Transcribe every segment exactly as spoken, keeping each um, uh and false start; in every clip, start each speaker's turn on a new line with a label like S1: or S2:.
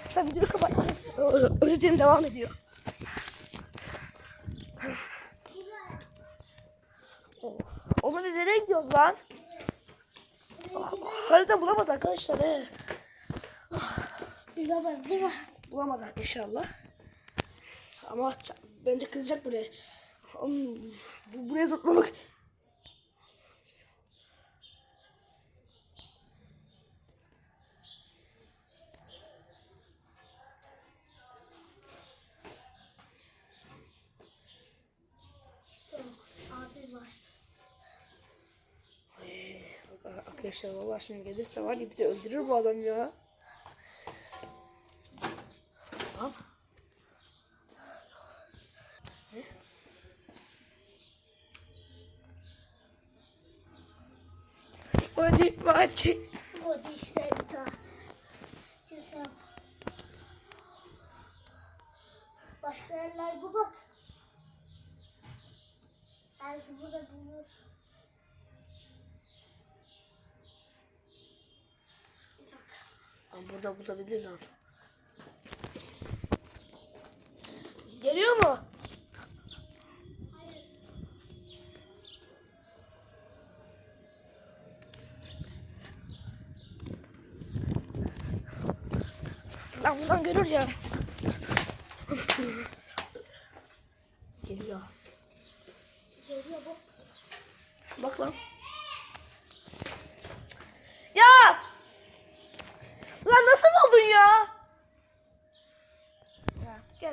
S1: Arkadaşlar videoyu kapattım. Özür dilerim, devam ediyor. Oğlum biz nereye gidiyoruz lan? Harita bulamaz arkadaşlar he.
S2: Bulamaz değil mi?
S1: Bulamaz inşallah. Ama bence kızacak buraya. Oğlum, bu, buraya zıplamak.
S2: Abi var.
S1: Ay, arkadaşlar vallahi şimdi gelirse var ya bizi öldürür bu adam ya. Tamam. Ne? Hadi hadi.
S2: Hadi işte bir daha. Şimdi sen başka yerler bulak. Belki burada bulur. Bir dakika.
S1: Lan burada bulabilir lan. Geliyor mu?
S2: Hayır.
S1: Lan buradan görür ya. Geliyor.
S2: Geliyor bu.
S1: Bak lan. Ya! Lan nasıl buldun ya? Ya gel.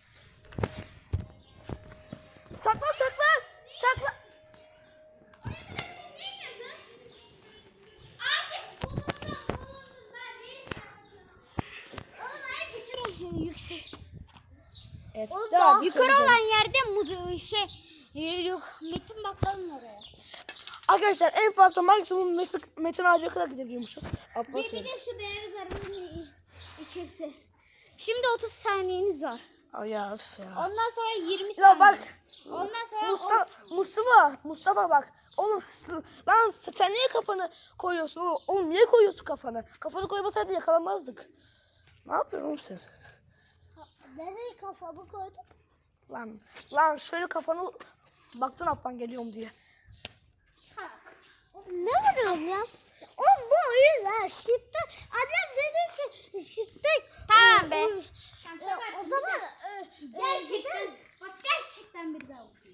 S1: Saklan saklan. Saklan.
S2: Yüksek.
S1: Evet,
S2: Oğlum
S1: daha
S2: daha yukarı
S1: söyleyeceğim.
S2: olan yerde mu şey e, yok. Metin bakalım oraya.
S1: Arkadaşlar en fazla maksimum Metin, Metin abiye kadar gidebiliyormuşuz.
S2: Ve
S1: Abbas
S2: bir de şu beyaz arabanın içerisi. Şimdi otuz saniyeniz var.
S1: Ay ya öf ya.
S2: Ondan sonra yirmi
S1: Ya
S2: saniye.
S1: bak.
S2: Ondan sonra
S1: Mustafa, Mustafa, Mustafa bak. Oğlum lan sen niye kafanı koyuyorsun oğlum? Oğlum niye koyuyorsun kafanı? Kafanı koymasaydın yakalanmazdık. Ne yapıyorsun oğlum sen?
S2: nereye kafamı koydum?
S1: Lan, lan şöyle kafanı baktın Abban geliyorum diye.
S2: Ne var ya? O bu oyunlar şiddet. Annem dedi ki şiddet. Tamam be. E, e, o zaman e, gerçekten bak gerçekten bir daha okuyayım.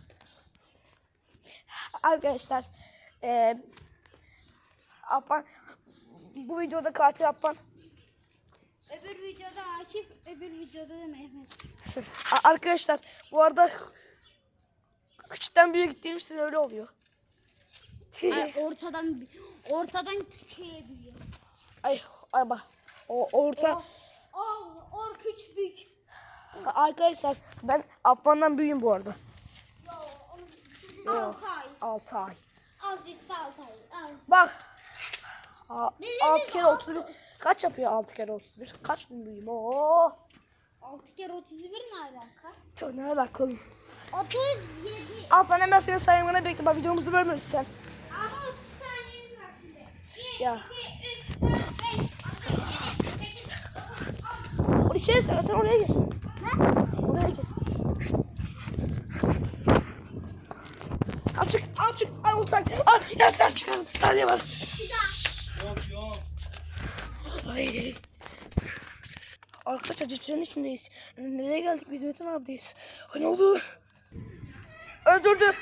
S1: Arkadaşlar eee Abban bu videoda katil Abban.
S2: Öbür videoda Akif, öbür videoda da Mehmet.
S1: A- Arkadaşlar bu arada küçükten büyüğe gittiğimiz için öyle oluyor.
S2: Ay, ortadan ortadan küçüğe büyüyor.
S1: Ay ay bak. O orta
S2: Oh, or küçük büyük.
S1: arkadaşlar ben Abban'dan büyüğüm bu arada.
S2: Yo, altı ay.
S1: altı ay.
S2: Azıcık altı ay. Al.
S1: Bak. A-
S2: Bizim
S1: altı kere
S2: altı-
S1: otuz bir. Kaç yapıyor altı kere otuz bir? Kaç gün büyüğüm? Oo.
S2: altı kere otuz bir ne alaka?
S1: Çok ne alaka oğlum?
S2: otuz yedi.
S1: Abban hemen senin saymana bekle. Bak videomuzu bölmüyorsun sen.
S2: Ama otuz saniyeniz var şimdi. bir,
S1: Ya.
S2: iki, üç, dört, beş, altı, yedi, sekiz, dokuz, on.
S1: O içeri sen, sen oraya gir.
S2: Ne?
S1: Oraya gir. Al çık, al çık. Al otuz saniye. Al, ya sen çık. otuz saniye var.
S3: Yok yok.
S1: Ay. Arkadaşlar cipslerin içindeyiz. Nereye geldik? Biz Metin abideyiz. Ay ne oldu? Öldürdü.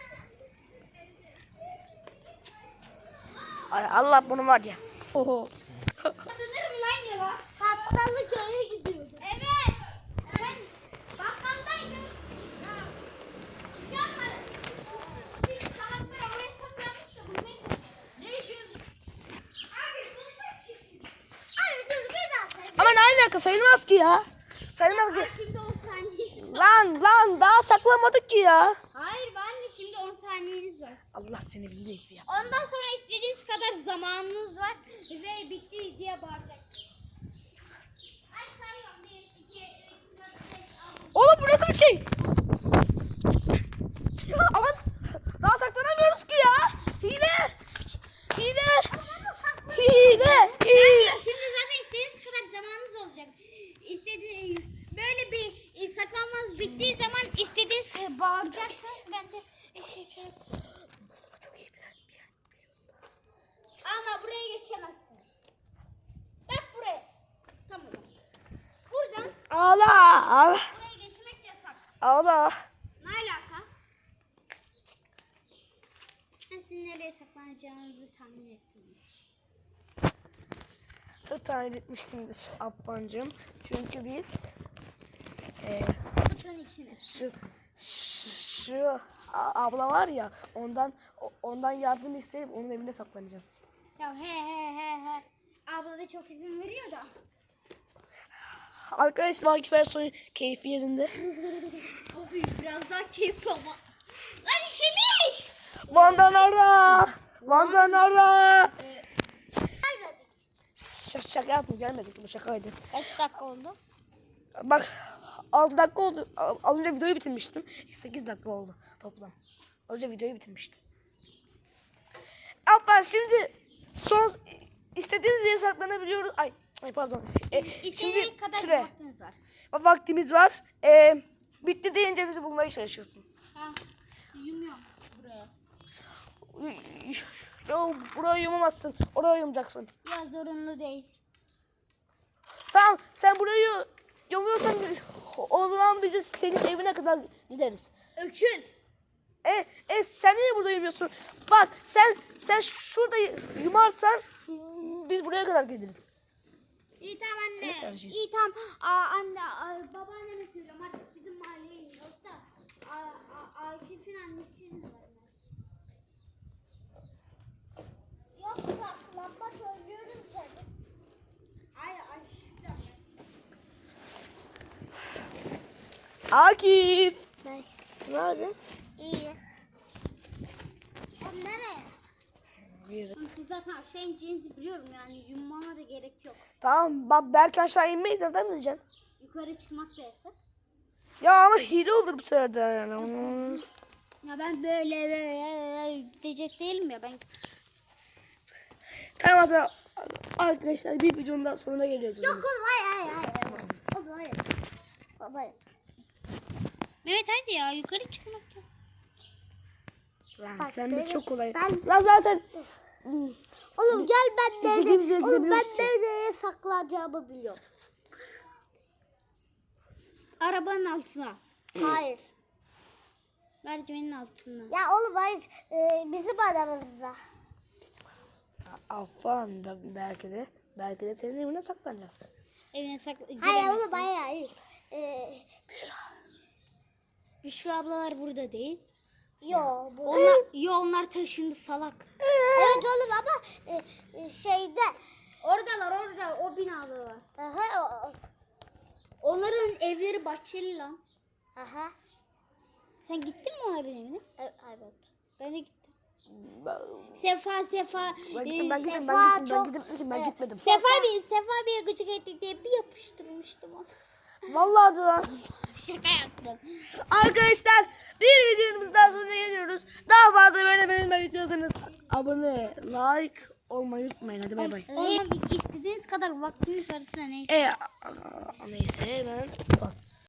S1: Ay Allah bunu var ya. Oho.
S2: Hatırlar mı lan ya? Bakkallık öyle gidiyordu. Evet. Ben bakkaldaydım. Bir şey olmadı. Bir salaklar oraya saklanmış da bulmaya çalıştım. Ne içiyorsun? Abi bunu sen içiyorsun. Abi dur bir daha say.
S1: Ama ne alaka sayılmaz ki ya. Sayılmaz ki.
S2: Abi şimdi on saniyeniz var.
S1: Lan lan daha saklamadık ki ya.
S2: Hayır ben de şimdi on saniyeniz var.
S1: Allah seni bildiği gibi ya.
S2: Ondan sonra istediğiniz kadar zamanınız var ve bitti diye bağıracaksınız. Ay sayıyorum. bir, iki, üç, dört, beş, altı.
S1: Oğlum bu nasıl bir şey? Ama daha saklanamıyoruz ki ya. Hile. Hile. Hile. Hile.
S2: Şimdi zaten istediğiniz kadar zamanınız olacak. İstediğiniz böyle bir e, saklanmanız bittiği zaman istediğiniz gibi bağıracaksınız. Ben de
S1: Mustafa çok iyi bilen bir yer.
S2: ama buraya geçemezsiniz. Bak buraya. Tamam. Buradan
S1: Allah!
S2: buraya geçmek yasak.
S1: Allah!
S2: Ne alaka? Ben sizin nereye saklanacağınızı tahmin ettim.
S1: Tahmin etmişsindir Abbancığım. Çünkü biz e,
S2: Kutunun içine.
S1: şu, şu, şu a- abla var ya ondan o- ondan yardım isteyip onun evine saklanacağız.
S2: Ya he he he he. Abla da çok izin veriyor da.
S1: Arkadaşlar Akif Ersoy'un keyfi yerinde.
S2: Abi biraz daha keyif ama. Lan işemiş.
S1: Van'dan ara! Van'dan ara!
S2: Gelmedik.
S1: Ş- şaka yapma gelmedik bu şakaydı.
S2: Kaç dakika oldu?
S1: Bak altı dakika oldu. Az önce videoyu bitirmiştim. sekiz dakika oldu toplam. Az önce videoyu bitirmiştim. Abla şimdi son istediğimiz yere saklanabiliyoruz. Ay, ay pardon. E,
S2: İstediğin
S1: şimdi
S2: kadar
S1: süre.
S2: vaktiniz var.
S1: Vaktimiz var. E, bitti deyince bizi bulmaya çalışıyorsun.
S2: Ha. Yumuyorum buraya.
S1: Yo, buraya yumamazsın. Oraya yumacaksın.
S2: Ya zorunlu değil.
S1: Tamam sen burayı yumuyorsan o zaman biz de senin evine kadar gideriz.
S2: Öküz.
S1: E, e sen niye burada yumuyorsun? Bak sen sen şurada yumarsan biz buraya kadar geliriz.
S2: İyi tamam
S1: Senin
S2: anne.
S1: tercihin.
S2: İyi tamam. Aa, anne, aa, babaanneme söylüyorum artık bizim mahalleye iniyoruz da. Aa, aa, Akif'in annesi izin vermez. Yok saklanma söylüyoruz dedi. Ay ay.
S1: Akif.
S2: Ne?
S1: Ne yapıyorsun?
S2: İyi. Oğlum nereye? Oğlum siz zaten aşağı ineceğinizi biliyorum yani yummama da gerek yok.
S1: Tamam bak belki aşağı inmeyiz nereden bileceksin?
S2: Yukarı çıkmak da yasak.
S1: Ya ama hile olur bu sefer de yani.
S2: Ya ben böyle böyle gidecek değilim ya ben.
S1: Tamam o zaman arkadaşlar bir videonun daha sonuna geliyoruz.
S2: Yok oğlum hayır hayır hayır. Oğlum hayır. Oğlum hayır. Mehmet hadi ya yukarı çıkmak yok.
S1: Lan
S2: Bak,
S1: sen biz
S2: benim-
S1: çok kolay.
S2: ben-
S1: Lan zaten
S2: Oğlum gel ben
S1: İstediğimiz yere
S2: nereye, oğlum ben
S1: gidebiliyoruz ki.
S2: nereye saklanacağımı biliyorum. Arabanın altına. Hayır. Merdivenin altına. Ya oğlum hayır. Ee, bizim aramızda.
S1: Afan belki de belki de senin evine saklanacağız.
S2: Evine sakla. Hayır oğlum hayır hayır. Ee,
S1: Büşra.
S2: Büşra ablalar burada değil. Yo, onlar, yo onlar taşındı salak. Evet oğlum ama e, e, şeyde. Oradalar orada o binadalar. Aha. Onların evleri bahçeli lan. Aha. Sen gittin mi onların evine? Evet. Ben de gittim. Sefa Sefa.
S1: Ben
S2: e,
S1: gittim ben gittim
S2: Sefa
S1: ben gittim ben
S2: çok-
S1: gittim ben gitmedim.
S2: Sefa bir Sefa bir gıcık ettik diye bir yapıştırmıştım onu.
S1: Vallahi de lan.
S2: Şaka yaptım.
S1: Arkadaşlar bir videomuz daha sonuna geliyoruz. Daha fazla böyle benim istiyorsanız abone, like olmayı unutmayın. Hadi bay bay.
S2: Olmam istediğiniz kadar vaktiniz varsa neyse.
S1: E, a- a- neyse ben bak.